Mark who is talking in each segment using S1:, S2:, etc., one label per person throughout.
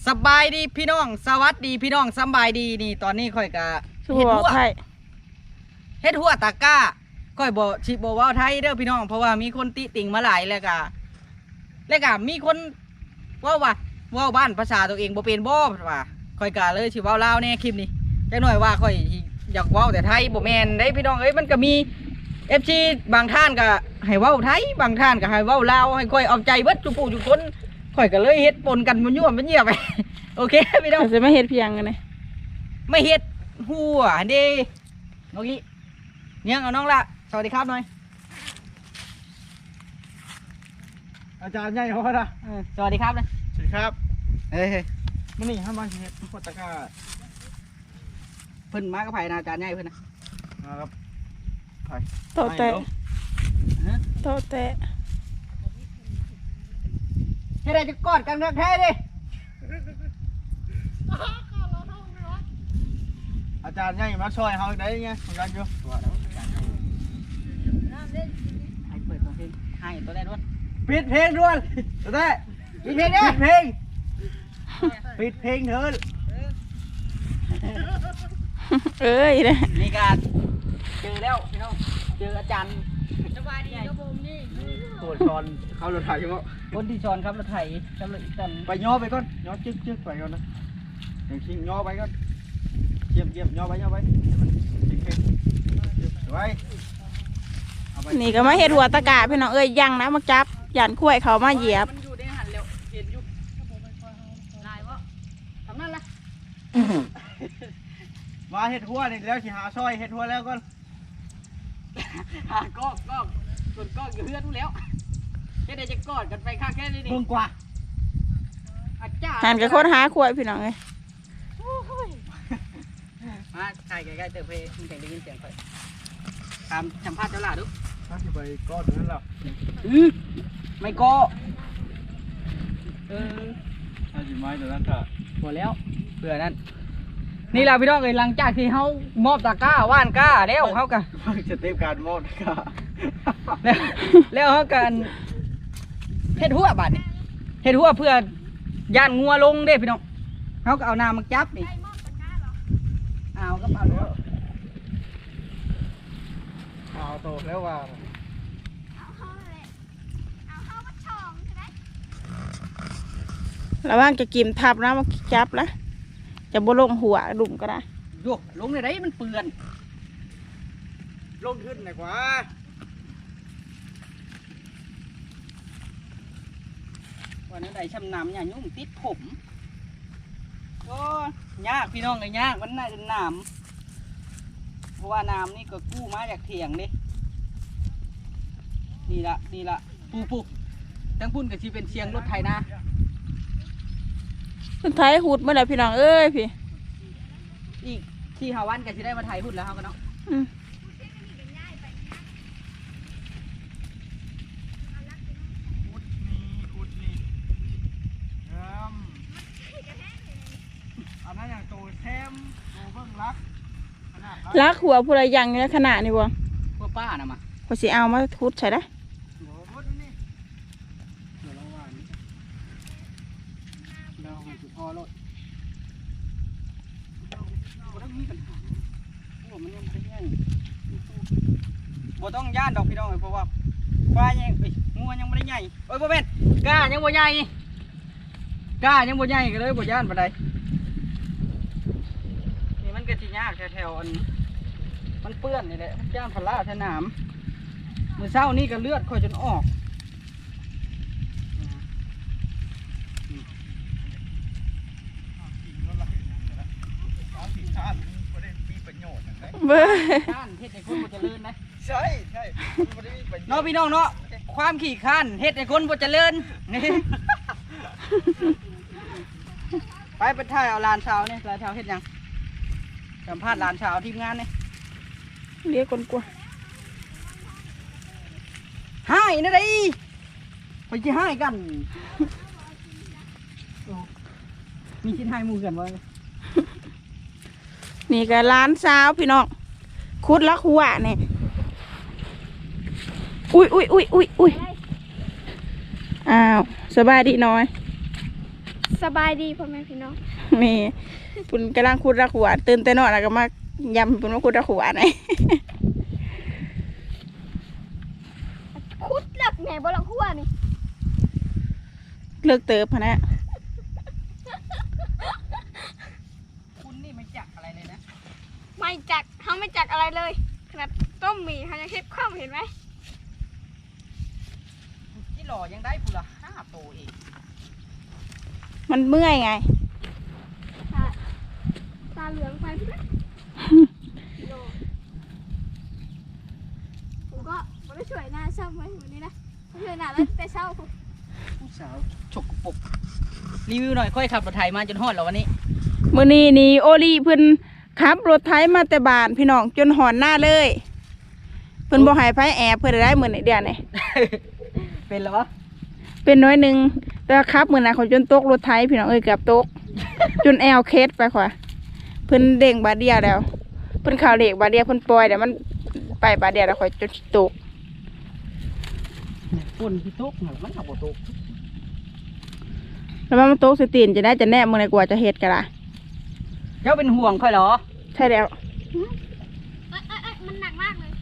S1: สบายดีพี่น้องสวัสดีพี่น้องสบายดีนี่ตอนนี้ค่อยกะเฮ็ดหัวตะก้าค่อยบอกชิบว่าไทยเด้อพี่น้องเพราะว่ามีคนติติ่งมาหลายแล้วกะมีคนว่าบ้านภาษาตัวเองบ่เป็นบ่ว่าค่อยกะเลยชิเว้าลาวแน่คลิปนี้จักหน่อยว่าค่อยอยากเว้าแต่ไทยบ่แม่นได้พี่น้องเอ้ยมันก็มี FC บางท่านก็ให้เว้าไทยบางท่านก็ให้เว้าลาวให้ค่อยเอาใจเบิดทุกผู้ทุกคนข่อยก็เลยเฮ็ดปนกันมันยั่วมันเยี่ยไป โอเคพี่น้อง
S2: จะไม่เฮ็ดเพียงกันเลย
S1: ไม่เฮ็ดหัวเด้น้องกี้เนี่ยเอาน้องละสวัสดีครับหน่อย
S3: อาจารย์ใหญ่เขาละ
S1: สวัสดีครับเลย
S3: สวัสดีครับ
S1: เฮ้ย
S3: มันนี่ห้ามมาเฮ็ดโคตรตะก้า
S1: เพิ่นมากับไผ่นะอาจารย์ใหญ่เพิ่น
S3: นะครับไผ่
S2: โตแตะโตแตะ
S1: แค่ได้จะกอดกันแท้ดิ
S3: อาจารย์ใหญ่มาช่วยเขาได้ไงเหมือนกันอยู่
S1: ให้เปิดเพลงให้ตัวแรกด้วย
S3: ปิดเพลงด้วยตัวแรก
S1: ปิดเพลงเนี่ย
S3: ปิดเพลงเถิด
S2: เอ้ยเนี่ย
S1: นี่การเจอแล้วพี่น้องเจออาจารย์สบายดีครับผมนี่
S3: ตัวชอนเขารถไถใช่ไหม
S1: คนที่ชอนครับรถไถกำลังจัน
S3: ไปย่อไปก่อนย่อจึ๊กไปก่อนนะอย่างชิงย่อไปก่อนเยี่ยมย่อไปมันชิงเพลงไว้
S2: นี่ก็มาเฮ็ดหัวตะกาพี่น้องเอ้ยยังนะมาจับยันคุ้ยเขามาเหยียบ
S1: มันอยู่ในหันเร็วเห็นอยู่ลายวะทำนั่นละ
S3: มาเฮ็ดหัวนี่แล้วสิหาซอยเฮ็ดหัวแล้วก่อน
S1: หาก้องส่วนก้องอยู่เพื่อนนู้นแล้วแค่ได้จะกอดกันไปข้างแค่นี้นี่
S3: มึงกว่า
S1: อาจารย์
S2: หันกับคนหาคุ้ยพี่น้องเอ้ย
S1: มาใกล้ๆเติมเพลงมันแต่ได้ยินเสียงค่อยตามสัมภาษณ์เจ้าหล่าดู
S3: ถ้าจะไปก้อนนั้นหรอ
S1: ไม่ก็
S3: ถ้าจะไม้แต่นั้นค่ะ
S1: หมดแล้วเผื่อนั้นนี่แหละพี่น้องเลยหลังจากที่เขามอบตะกร้าว่านก้าแล้วเขากัน
S3: จะเต็มการมอบตะกร้า
S1: แล้วเขากันเฮ็ดหัวบาดนี่เฮ็ดหัวเพื่อย่านงัวลงเด้พี่น้องเขาก็เอาน้ำมาจับนี่เอาก็เอาแล้ว
S3: เอาโตแล้วว่า
S2: ระวังจะกิมทับนะมาจับนะจะบ่ลงหัวดุ่มก็ได้
S1: โยกลงในไรมันเปื่อน
S3: ลงขึ้นหน่อยกว่า
S1: วันนี้ได้ช้ำน้ำเนี่ยยุ่งติดผมโอ้ยากพี่น้องเลยยากมันน่าจะน้ำเพราะว่าน้ำนี่ก็กู้มาจากเถียงดินี่ละปูทั้งพุ่นกับชีเป็นเชียงรถไถนะ
S2: สุดท้ายหูดเมื่อไหร่พี่น้องเอ้ยพี่
S1: อีกที่หาวันกับชีได้มาไถหุ่นแล้วเขากันเนาะ
S3: อันนั้นอย่างโตแซมโตเบิ้งรัก
S2: หัวผู้ใดยังในขนาดนี้วะ
S1: พวกป้านะมา
S2: พอสิเอามาทุดใช่ได้
S1: บ่ต้องย่านดอกพี่น้องเพราะว่าควายยังงัวยังไม่ได้ใหญ่โอ้ยบ่เป็นกล้ายังบ่ใหญ่ก็เลยบ่ย่านปานใดนี่มันก็สิยากแถวอันมันเปื้อนนี่แหละมันย่านพลาสนามมื้อเช้านี่ก็เลือดค่อยจนออก
S2: เบ้อ
S1: ข้านเฮ็ดให้คนบ่เจริญนะ
S3: ใช่
S1: เนาะพี่น้องเนาะความขี้ข้านเฮ็ดให้คนบ่เจริญนี่ไปถ่ายเอาลานชาวนี่ลานชาวเฮ็ดยังสัมภาษณ์ลานชาวทีมงานนี่
S2: เรียกคนกลัว
S1: ให้นะดิไปสิให้กันมีชิ้นให้หมู่กันบ่
S2: นี่ก็ร้านสาวพี่น้องคุดลักหัวเนี่ยอุ้ยอ้าวสบายดีน้อย
S4: สบายดีพ่อแม่พี่น้อง
S2: นี่ปุ่นกำลังขุดรักหัวตื่นแต่นอนแล้วก็มายำปุ่นว่าขุดรักหัวไหน
S4: คุดหลักแหน่บ่หลักหัวนี่
S2: เลิกเติบพะนะ
S1: คุณนี่ไม่จักอะไรเลยนะ
S4: ไม่จักเขาไม่จักอะไรเลยขนาดต้มหมี่เขายังเฮ็ดข้าวเห็นไหม
S1: ที่หล่อยังได้พุละ5 โตเอง
S2: มันเมื่อยไง
S4: ตาเหลืองไปพี่นะโลผมก็ไม่ได้ช่วยหน้าเศร้าไหมวันนี้นะช่วยหน้าแล้วแต่เศร้าผม
S1: ผู้สาวฉกปรกรีวิวหน่อยค่อยขับรถไถมาจนฮอดแล้ววันนี้
S2: มื้อนี้นี่โอลีเพิ่นขับรถไถมาแต่บ้านพี่น้องจนหอนหน้าเลยเพิ่นบ่ให้ไผแอบเพิ่นได้มื้อนี้เดือนนี่
S1: เป็นเหรอ
S2: เป็นน้อยหนึงแต่ว่าขับมื้อน่ะเขาจนตกรถไถพี่น้องเอ้ยเกือบตก จนแอวเคสไปขวาเพิ่นเด้งบาดเดียวแล้วเพิ่นเข้าเลขบาดเดียวเพิ่นปล่อยแต่มันไปบาดเดียวแล้วค่อยจนตก
S1: ฝุ่นที่ตกมันขับบ่ตก
S2: แล้วมันตกสิตีนจะได้จะแน่มื้อไหนกว่าจะเฮ็ดก็ล่ะ
S1: เจ้าเป็นห่วงค่อยเหรอ
S2: ใช่แล้ว
S4: มันหนักมากเลย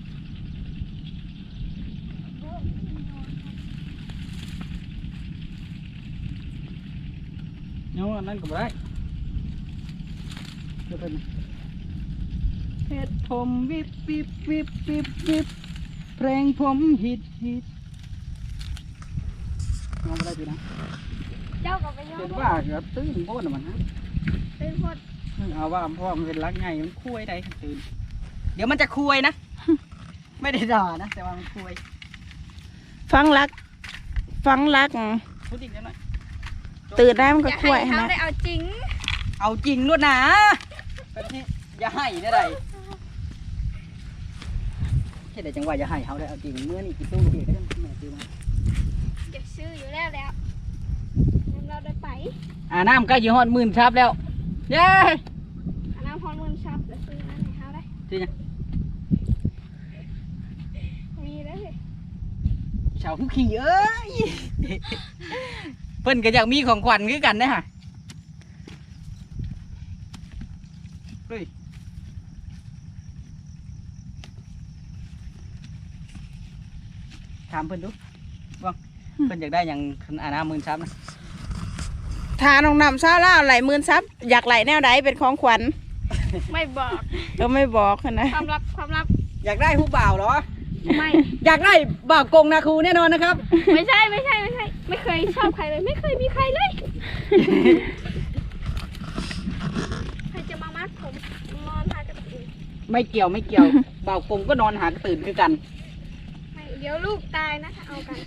S1: เนาะนั่นก็บ่ได้เดี๋ยวเป็นเฮ็ดผมวิบวิบวิบวิบวิบเพลงผมฮิตน้องบ่ได้ดีนะ
S4: เจ้ากับไปย้อ
S1: เห็
S4: น
S1: นว่าเกือบตื่นโบ้น่ะมันฮะ
S4: เป็นพด
S1: เอาว่าเพราะว่ามันเป็นรักไงมันคุยได้ตื่นเดี๋ยวมันจะคุยนะ ไม่ได้ด่านะแต่ว่ามันคุย
S2: ฟังรัก
S1: พูดอีกนิดหน่อย
S2: ตื่นได้มันก็
S4: อยาก
S2: ช่วย
S4: ให้เขา
S2: นะ
S4: ได้เอาจริง
S1: เอาจริงด้วยนะแบบนี้อย่าให้ได้ไรแค่แต่จังหวะอย่าให้เขาได้เอาจริงเมื่อนี่กี่ตู้เดียวก็ต้องแม่ซื้อมา
S4: เก็บซื้ออยู่แล้วงั้นเราได้ไป
S1: น้ำใกล้ยี่ห้อ10,000ครับแล้วเย้
S4: อันน้ำพรมือชับแล้วซื้อนั่นให้เขาได้
S1: จริง
S4: มีแล้วเลย
S1: ชาวผู้ขี่เอ้ย เพิ่นก็อยากมีของขวัญคือกันนะฮะเฮ้ยถามเพิ่นดูว่าเพิ่นอยากได้อย่าง10,000นะ
S2: ทาน้องน้ำซาล่าไหลหมื่นซับอยากไหลแนวใดเป็นของขวัญ
S4: ไม่บอก
S2: ก็ไม่บอกนะ
S4: ความลับ
S1: อยากได้ผู้บ่าวเหรอ
S4: ไม่
S1: อยากได้บ่าวกงนาคูแน่นอนนะครับ
S4: ไม่ใช่ไม่เคยชอบใครเลยไม่เคยมีใครเลยใครจะมามัดผมนอนทากระตื่น
S1: ไม่เกี่ยวบ่าวกงก็นอนหากระตื่นคือกัน
S4: ไม่เดี๋ยวลูกตายนะถ้าเอากัน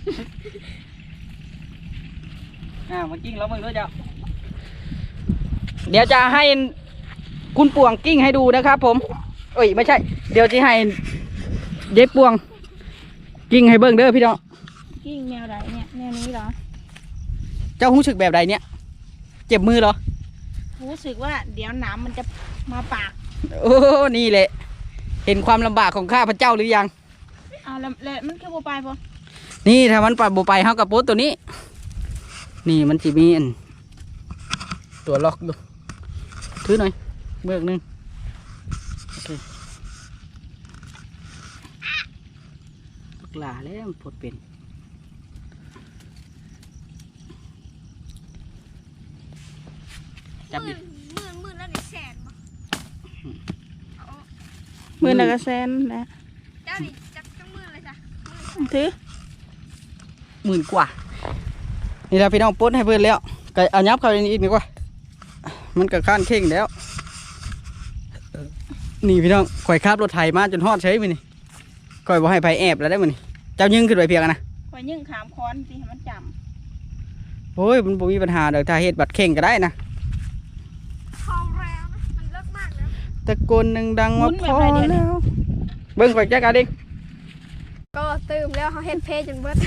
S1: มากิ้งแล้วมึงด้วยเจ้าเดี๋ยวจะให้คุณป่วงกิ้งให้ดูนะครับผมเอ้ยไม่ใช่ เดี๋ยวจะให้เย็บป่วงกิ้งให้เบิ่งเด้อพี่น้อง
S2: กิ้งแนวใดเนี่ยแนวนี้เหรอ
S1: เจ้ารู้สึกแบบใดเนี่ยเจ็บมือเหรอ
S2: รู้สึกว่าเดี๋ยวหนามมันจะมาปาก
S1: โอ้นี่แหละเห็นความลำบากของข้าพเจ้าหรือยัง
S2: เอาแล้วมันคือโบไปปะ
S1: นี่ถ้ามันปัดโบไปเฮากับโป๊ตตัวนี้นี่มันจะมีอันตัวล็อกอยู่ถือหน่อยเบิกหนึ่งโอเคลูกหลาแล้วมันปลดเป็นจับดิ
S4: หมื่นแล้วนี่แสนบ่
S2: มือละกระแซนนะ
S4: เจ้านี่จักหมื่นเลยจ้ะ
S2: ถือ
S1: 10,000 กว่านี่เราพี่น้องปลดให้เพื่อนแล้วก็เอายับเข้าในนี้อีกดีกว่ามันก็ข้านเข่งแล้วนี่พี่น้องข่อยคาบรถไถมาจนฮอดใช้มือนี่ข่อยบ่ให้ไผแอบแล้วได้มือนี่เจ้ายึงขึ้นไปเพียงอะนะ
S2: คอยยิ่งขามค้อนสิให้มันจ
S1: โอ้ยมันบ่มีปัญหาเดี๋ยวถ้าเฮ็ดบัตรเข่งก็ได้นะ
S4: ทองแล้วนะมันเลิกมากแล้ว
S1: ตะโกนดังๆว่าพอแล้วเบิ่งข่อยแจ๊กเอาดิ
S4: ก็ตื่มแล้วเขาเฮ็ดเพจจนเบิด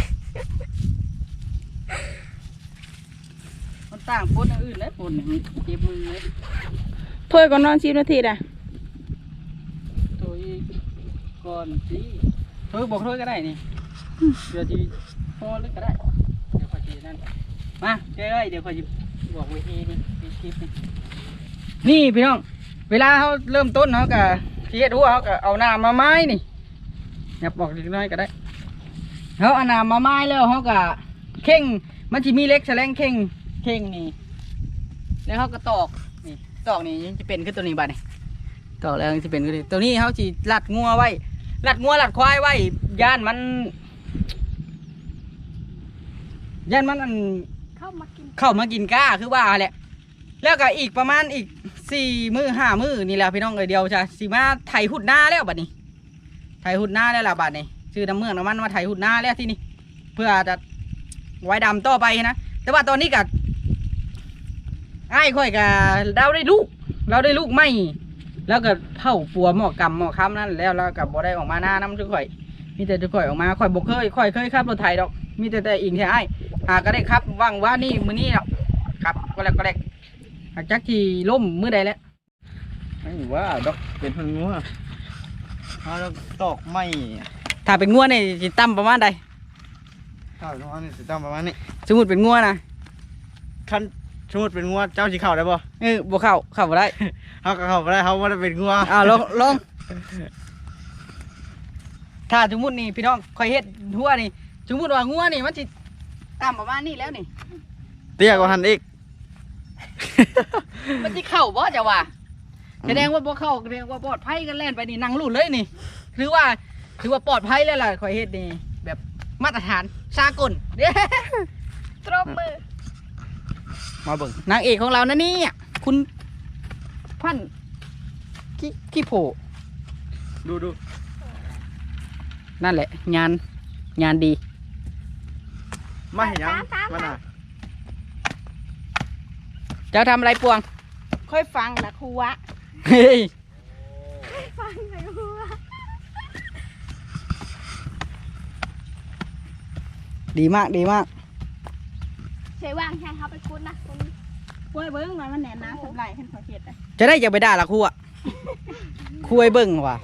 S1: มันต่างปนอื่นแล้วปนนี่เจ็บมือเลย
S2: ำถ้วยก่อนนอน10 นาทีอ่ะ
S1: ตัวอีกก่อนสิบอกโทษก็ได้นี่เดี๋ยวที่พอเลยก็ได้เดี๋ยวข่อยสินั่นมาเจ้ยเดี๋ยวข่อยสิบอกวิธีนี่คลิปนี่พี่น้องเวลาเขาเริ่มต้นเขาก็เฮ็ดหัวเขาก็เอาน้ำมาไม้นี่อย่าบอกเล็กน้อยก็ได้เขาเอาน้ำมาไม้แล้วเขาก็เข่งมันจะมีเล็กแสลงเข่งนี่แล้วเขาก็ตอกนี่ตอกนี่จะเป็นขึ้นตัวนี้บัดนี่ตอกแล้วจะเป็นขึ้นตัวนี้เขาจะลัดงัวไว้ลัดงัวลัดควายไว้ย่านมันอัน
S4: เข้ามากิน
S1: เข้ามากินก้าคือว่าแหละแล้วก็อีกประมาณอีก4 มื้อ5 มื้อนี่แหละพี่น้องเดียวจ้ะสิมาไถหุดหน้าแล้วบัดนี้ไถหุดหน้าแล้วล่ะบัดนี้ชื่อน้ำเมืองน้ำมันมาไถหุดหน้าแล้วที่นี่เพื่อจะไว้ดำต่อไปนะแต่ว่าตอนนี้กับไอ้ายค่อยกับเราได้ลูกไม่แล้วก็เผาปัวหมอกำหมอค้ำนั่นแล้วกับบ่ได้ออกมาหน้าน้ำทุกข่อยมีแต่ทุกข่อยออกมาข่อยบกเคยขับรถไถดอกมีแต่อิงแค่ไอ้ก็ได้ครับว่างว่านี่มื้อนี้เนาะครับก็แล้วหากจักที่ล่มมื้อใดแล้ว
S3: ไม่ว่าดอกเป็นพันงัวเอาดอกตอกไม้
S1: ถ้าเป็นงัวนี่สิตั้มประมาณใด
S3: ข้าวน้องนี่สิตั้งประมาณนี้
S1: สมมุติเป็นงัวนะ
S3: คันสมมุติเป็นงัวเจ้าสิเข้าได้บ่
S1: บ่เข้าบ่ได้
S3: เขาก็เข้าบ่ได้เขาบ่ได้เป็นงัว
S1: ลองถ้าสมมุตินี่พี่น้องข่อยเฮ็ดหัวนี่สมมุติว่างัวนี่มันสิตั้มประมาณนี้แล้วนี่
S3: เตี้ยกว่าหันอีก
S1: มันสิเข้าบ่จะว่าแสดงว่าบ่เข้าแสดงว่าปลอดภัยกันแล่นไปนี่นั่งรุ่นเลยนี่ถือว่าปลอดภัยแล้วล่ะข่อยเฮ็ดนี่แบบมาตรฐานสากลเด้
S4: ตรบมือ
S3: มาเบิ่ง
S1: นางเอกของเรานะนี่คุณพันธุ์ขี้โผ
S3: ดู
S1: นั่นแหละงานดี
S3: มาเห็นยังมาน่ะ
S1: เจ้าทำอะไรปวง
S2: ค่อยฟังนะครูวะ
S1: เฮ้ย
S4: ฟังเลยหัว
S1: ดีมาก
S4: ใช้ว่างใช่เขาไปคุ้นนะคุณ
S2: กล้วยเบิ้งมันแหนน้ำสำไรขึ้นขอเขียดเลย
S1: จะได้อย่าไปด่าละครูอะครูไอ้เบิ่งว่ะ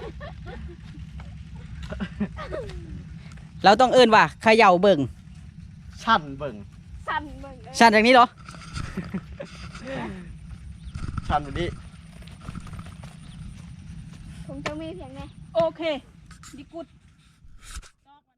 S1: เราต้องเอิ้นว่าเขย่าเบิ่ง
S3: ชั้นเบิ่ง
S4: สั่นเบิ่ง
S1: ชันจากนี้เหรอ
S3: ชั้นแบบนี้
S4: ผมจะมีเพียงไง
S2: โอเคดีกุด